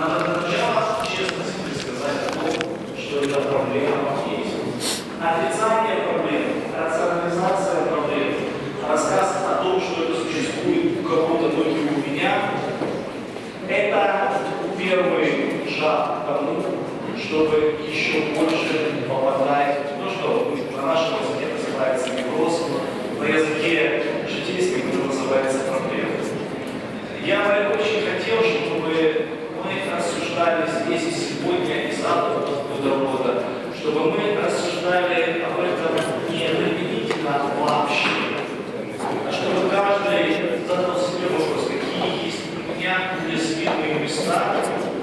Надо для начала честно себе сказать о том, что эта проблема есть. Отрицание проблем, рационализация проблем, рассказ о том, что это существует у кого-то, но не у меня, это первый шаг к тому, чтобы еще больше попадать в то, что на нашем языке называется невроз, на языке житейском это называется проблема. Я бы очень хотел, чтобы мы рассуждали здесь и сегодня, и завтра, до года, чтобы мы рассуждали об этом не применительно вообще, а чтобы каждый задал себе вопрос, какие есть у меня уязвимые места,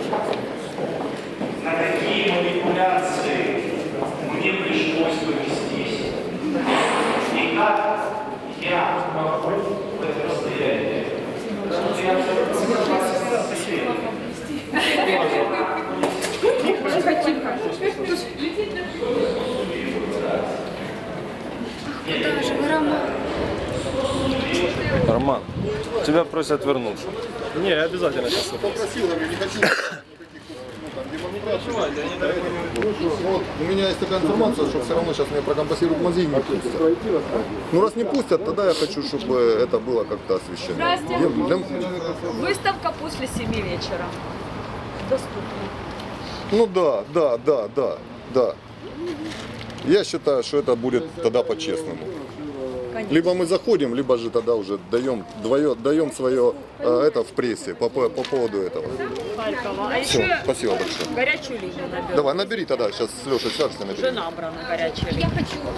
на какие манипуляции мне пришлось повестись, и как я могу в это состояние. Куда же вы, Роман? Роман, тебя просят вернуться. Не, обязательно сейчас. Попросил, я не хочу вот, у меня есть такая информация, что все равно сейчас меня прокомпенсируют мозги не пустят. Ну раз не пустят, тогда я хочу, чтобы это было как-то освещено. Здрасте. Я- Выставка после 7 вечера. Доступна. Ну да. Я считаю, что это будет тогда по-честному. Конечно. Либо мы заходим, либо же тогда уже даем свое это в прессе по поводу этого. Харькова. А Все, еще спасибо большое. горячую линию наберу. Давай, набери тогда, сейчас с Лешей свяжешься, набери. Уже набрана горячая линия.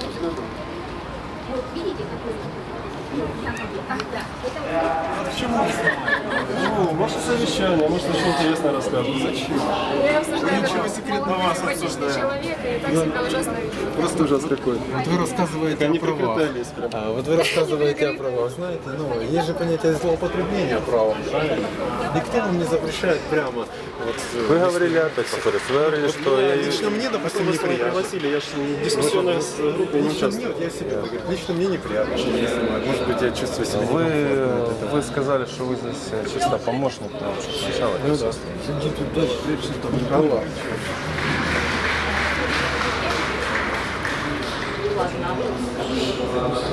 Ну, может совещание, может что интересное расскажут. Зачем? Ничего секретного вас обсуждаем. Человека, и так себя ужасно ведет. Просто ужас какой. Вот вы рассказываете Они о правах. прикрепялись прям. Вот вы рассказываете о правах. Знаете, ну, есть же понятие злоупотребления правом, правильно? Никто вам не запрещает прямо. Вот, Вы говорили опять, повторюсь, вы говорили, что я... лично мне, допустим, Вас не неприятно. пригласили, я же в дискуссионной группе не Лично участвую. мне, вот я себе говорю, лично мне неприятно, что меня снимают. Может быть, я чувствую себя некомфортно. Вы сказали, что вы здесь чисто помощник, потому что сначала... Ну да. Иди туда, прячься там. Николай. Ладно.